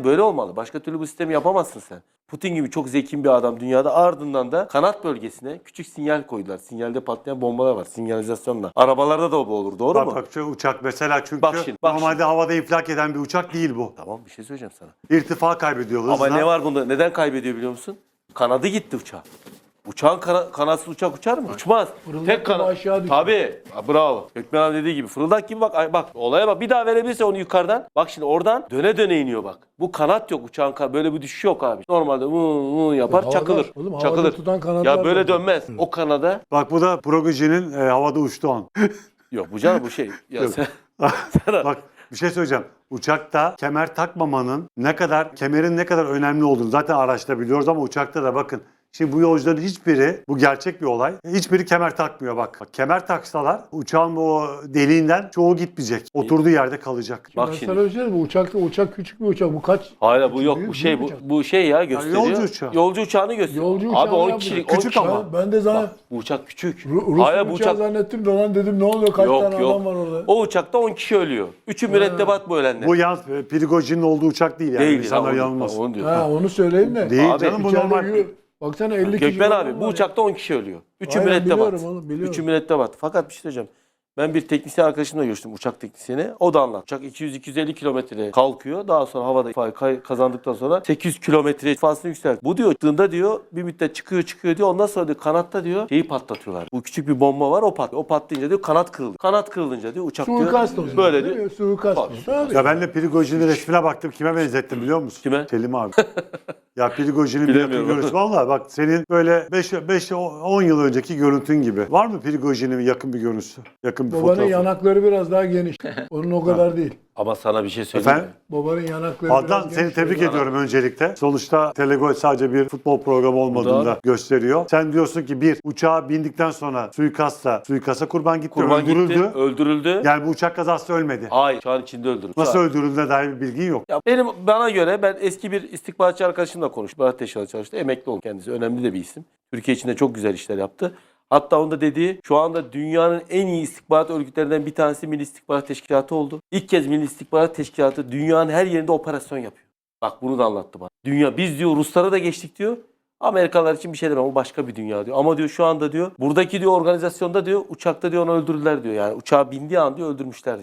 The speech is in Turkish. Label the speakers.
Speaker 1: sistem böyle olmalı. Başka türlü bu sistemi yapamazsın sen. Putin gibi çok zeki bir adam dünyada, ardından da kanat bölgesine küçük sinyal koydular. Sinyalde patlayan bombalar var, sinyalizasyonla. Arabalarda da bu olur, doğru mu?
Speaker 2: Bak şu uçak mesela çünkü
Speaker 1: Bak şimdi.
Speaker 2: normalde havada infilak eden bir uçak değil bu.
Speaker 1: Tamam, bir şey söyleyeceğim sana.
Speaker 2: İrtifa kaybediyor hızla.
Speaker 1: Ama ne var bunda? Neden kaybediyor biliyor musun? Kanadı gitti uçağın. Uçağın kanatsız uçak uçar mı? Uçmaz.
Speaker 3: Fırıldak
Speaker 1: Tek
Speaker 3: gibi
Speaker 1: kanat.
Speaker 3: aşağı düşüyor.
Speaker 1: Tabii. Bravo. Gökmen abi dediği gibi. Fırıldak gibi bak. Bak olaya bak. Bir daha verebilirse onu yukarıdan. Bak şimdi oradan döne döne iniyor bak. Bu kanat yok uçağın. Böyle bir düşüş yok abi. Normalde yapar,
Speaker 3: Havada-
Speaker 1: çakılır.
Speaker 3: oğlum, havada
Speaker 1: çakılır.
Speaker 3: tutan kanatlar
Speaker 1: Ya böyle
Speaker 3: var.
Speaker 1: dönmez. O kanada.
Speaker 2: Bak bu da Prigojin'in havada uçtuğu an.
Speaker 1: Yok bu canım bu şey. Ya
Speaker 2: Yok.
Speaker 1: sen...
Speaker 2: Bak bir şey söyleyeceğim. Uçakta kemer takmamanın kemerin ne kadar önemli olduğunu zaten araçta biliyoruz ama uçakta da bakın. Şimdi bu yolcuların hiçbiri, bu gerçek bir olay, hiçbiri kemer takmıyor bak. Kemer taksalar uçağın o deliğinden çoğu gitmeyecek. Oturduğu yerde kalacak.
Speaker 1: Bak
Speaker 3: Ben
Speaker 1: şimdi.
Speaker 3: sana söyleyeyim, uçak küçük bir uçak. Bu kaç?
Speaker 1: Hayır bu yok.
Speaker 3: Büyük-
Speaker 1: Bu şey
Speaker 3: büyük uçak.
Speaker 1: bu şey ya gösteriyor.
Speaker 2: yolcu uçağı.
Speaker 1: Yolcu uçağını gösteriyor.
Speaker 3: Yolcu
Speaker 1: Abi
Speaker 3: uçağı
Speaker 1: 10
Speaker 3: ya bu.
Speaker 1: kişilik.
Speaker 2: Küçük
Speaker 1: 10 kişi.
Speaker 2: ama.
Speaker 3: Ben de sana
Speaker 1: Bak, bu uçak küçük.
Speaker 3: Rus
Speaker 1: Hayır bu
Speaker 3: uçağı
Speaker 1: uçak.
Speaker 3: zannettim de lan dedim ne oluyor, kaç tane adam var orada.
Speaker 1: O uçakta 10 kişi ölüyor. 3'ü mürettebat bu ölenler.
Speaker 2: Bu yalnız Prigojin'in olduğu uçak değil yani.
Speaker 1: değil.
Speaker 2: İnsanlar yanılmasın.
Speaker 1: Onu diyor.
Speaker 3: Ha, onu söyleyeyim de.
Speaker 2: Değil
Speaker 1: Abi,
Speaker 2: canım bu
Speaker 3: İçeride
Speaker 2: normal.
Speaker 3: baksana 50 kişi.
Speaker 1: Gökmen
Speaker 3: falan
Speaker 1: abi bu
Speaker 3: var ya.
Speaker 1: uçakta 10 kişi ölüyor. 3'ü
Speaker 3: Aynen,
Speaker 1: mürettebat.
Speaker 3: biliyorum oğlum, biliyorum.
Speaker 1: 3'ü mürettebat. Fakat bir şey söyleyeceğim. Ben bir teknisyen arkadaşımla görüştüm, uçak teknisyeni. O da anlattı. Uçak 200-250 kilometreye kalkıyor. Daha sonra havada ifade kazandıktan sonra 800 kilometre ifasını yükseltiyor. Bu diyor çıktığında diyor bir müddet çıkıyor diyor. Ondan sonra diyor kanatta diyor şeyi patlatıyorlar. Bu küçük bir bomba var o patlıyor. O patlayınca diyor kanat kırıldı. Kanat kırılınca diyor uçak
Speaker 3: Suikast
Speaker 1: diyor
Speaker 3: o zaman.
Speaker 1: böyle
Speaker 3: değil
Speaker 1: diyor.
Speaker 3: mi? Suikast o. Tabii.
Speaker 2: Ya ben de Prigojin'in resmine baktım. Kime benzettim biliyor musun?
Speaker 1: Kime?
Speaker 2: Selim abi. Ya Prigojin'in bir yakın
Speaker 1: Bilemiyorum.
Speaker 2: görüntüsü. Valla bak senin böyle 5-10 yıl önceki görüntün gibi. Var mı Prigojin'in yakın bir görüntüsü? Yakın bir
Speaker 3: Babanın
Speaker 2: fotoğrafı?
Speaker 3: yanakları biraz daha geniş. Onun o kadar değil.
Speaker 1: Ama sana bir şey söyleyeyim mi?
Speaker 2: Efendim?
Speaker 3: Babanın yanakları
Speaker 2: Adnan
Speaker 3: biraz
Speaker 2: seni
Speaker 3: geniş.
Speaker 2: tebrik ediyorum öncelikle. Sonuçta Telegol sadece bir futbol programı olmadığını da gösteriyor. Sen diyorsun ki bir uçağa bindikten sonra suikasta kurban gitti,
Speaker 1: Kurban
Speaker 2: öldürüldü.
Speaker 1: gitti, öldürüldü.
Speaker 2: Yani bu uçak kazası ölmedi.
Speaker 1: Hayır, uçağın içinde öldürüldü.
Speaker 2: Nasıl öldürüldüğüne dair bir bilgin yok.
Speaker 1: Ya bana göre ben eski bir istihbaratçı arkadaşımla konuştum. İstihbarat Teşkilatı çalıştı. Emekli oldu kendisi. Önemli de bir isim. Türkiye için de çok güzel işler yaptı. Hatta onda dediği şu anda dünyanın en iyi istihbarat örgütlerinden bir tanesi Milli İstihbarat Teşkilatı oldu. İlk kez Milli İstihbarat Teşkilatı dünyanın her yerinde operasyon yapıyor. Bak bunu da anlattı bana. Dünya biz diyor Ruslara da geçtik diyor. Amerikalılar için bir şey demem o başka bir dünya diyor. Ama diyor şu anda diyor buradaki diyor organizasyonda diyor uçakta diyor onu öldürdüler diyor. Yani uçağa bindiği an diyor öldürmüşler diyor.